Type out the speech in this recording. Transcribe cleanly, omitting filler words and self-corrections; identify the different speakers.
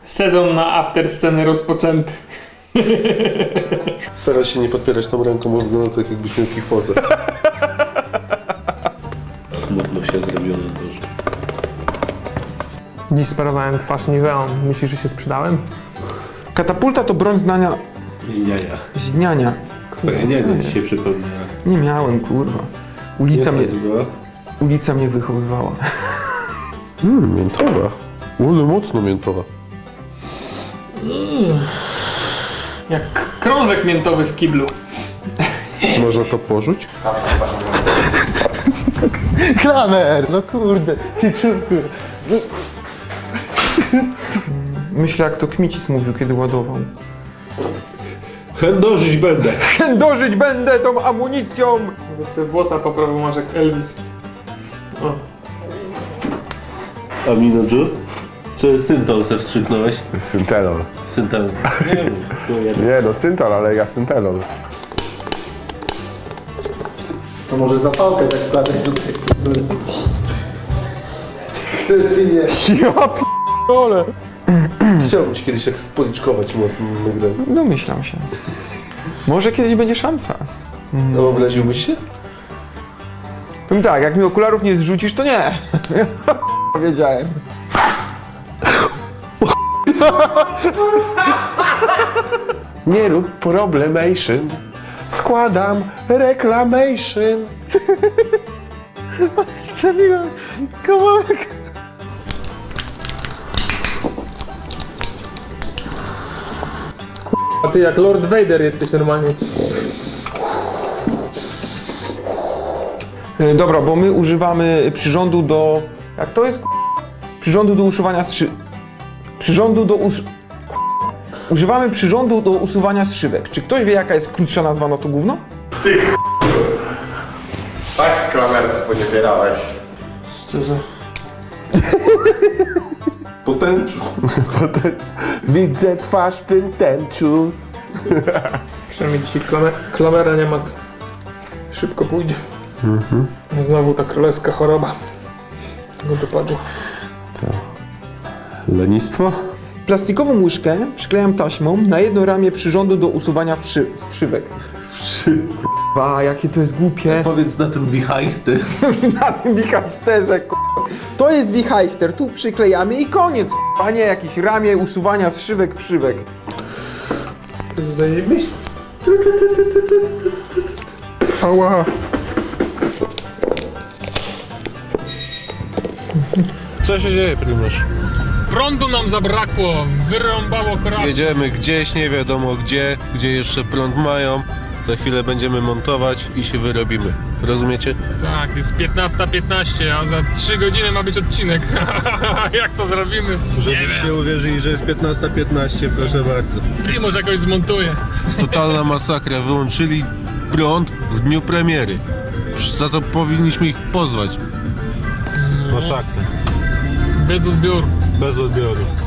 Speaker 1: Sezon na after sceny rozpoczęty.
Speaker 2: Staraj się nie podpierać tą ręką, bo wygląda tak jakbyś miał kifozę. Smutno się zrobiło na dworze.
Speaker 1: Dziś sparowałem twarz Niveą. Myślisz, że się sprzedałem?
Speaker 3: Katapulta to broń znania...
Speaker 2: Jaja.
Speaker 3: Zniania.
Speaker 2: Twoja niania ci się przypomniała.
Speaker 3: Nie miałem, kurwa. Ulica mnie wychowywała.
Speaker 2: Miętowa. Ale mocno miętowa.
Speaker 1: Jak krążek miętowy w kiblu.
Speaker 2: Można to porzuć?
Speaker 3: Klamer! No kurde, ty czurku. Myślę, jak to Kmicic mówił, kiedy ładował.
Speaker 2: Chędożyć będę.
Speaker 3: Chędożyć będę tą amunicją!
Speaker 1: Będę sobie włosa poprawił, masz jak Elvis. O.
Speaker 2: Amino juice? Czy syntol se wstrzyknąłeś?
Speaker 4: Syntelol.
Speaker 2: Syntol. Nie wiem.
Speaker 4: Nie no, syntol, ale ja syntelol.
Speaker 5: To może zapałkę tak wkładać tutaj. Kretynie.
Speaker 3: Ja p***ole.
Speaker 2: Chciałbym się kiedyś tak spoliczkować mocno nagrałem.
Speaker 3: Domyślam się. Może kiedyś będzie szansa.
Speaker 2: No, obraziłbyś się?
Speaker 3: Powiem tak, jak mi okularów nie zrzucisz, to nie. Wiedziałem.
Speaker 4: Nie rób problemation. Składam reclamation.
Speaker 3: Strzeliłem kawałek.
Speaker 1: A ty jak Lord Vader jesteś normalnie.
Speaker 3: Dobra, bo my używamy przyrządu do... Jak to jest? Przyrządu do usuwania Przyrządu do Używamy przyrządu do usuwania zszywek. Czy ktoś wie, jaka jest krótsza nazwa na to gówno?
Speaker 4: Tak, klamerę sponiewierałeś.
Speaker 1: Szczerze.
Speaker 2: Po tęczu.
Speaker 4: Widzę twarz w tym tęczu.
Speaker 1: Przynajmniej dzisiaj klamera nie ma. Szybko pójdzie. Znowu ta królewska choroba go dopadła.
Speaker 2: Lenistwo?
Speaker 3: Plastikową łyżkę przyklejam taśmą na jedno ramię przyrządu do usuwania zszywek. Ba, jakie to jest głupie.
Speaker 2: Powiedz na tym wichajsty.
Speaker 3: Na tym wichajsterze, To jest wichajster, tu przyklejamy i koniec, a nie jakieś ramię usuwania zszywek w szywek.
Speaker 1: To jest zajebiste.
Speaker 3: Ała.
Speaker 2: Co się dzieje, Prymasz?
Speaker 1: Prądu nam zabrakło, wyrąbało korasę.
Speaker 2: Jedziemy gdzieś, nie wiadomo gdzie jeszcze prąd mają. Za chwilę będziemy montować i się wyrobimy. Rozumiecie?
Speaker 1: Tak, jest 15:15, a za 3 godziny ma być odcinek. Jak to zrobimy? Nie wiem.
Speaker 2: Żebyście uwierzyli, że jest 15:15, proszę bardzo.
Speaker 1: Primoz jakoś zmontuje.
Speaker 2: Jest totalna masakra. Wyłączyli prąd w dniu premiery. Za to powinniśmy ich pozwać. Masakra.
Speaker 1: Bez odbioru.
Speaker 2: Bez odbioru.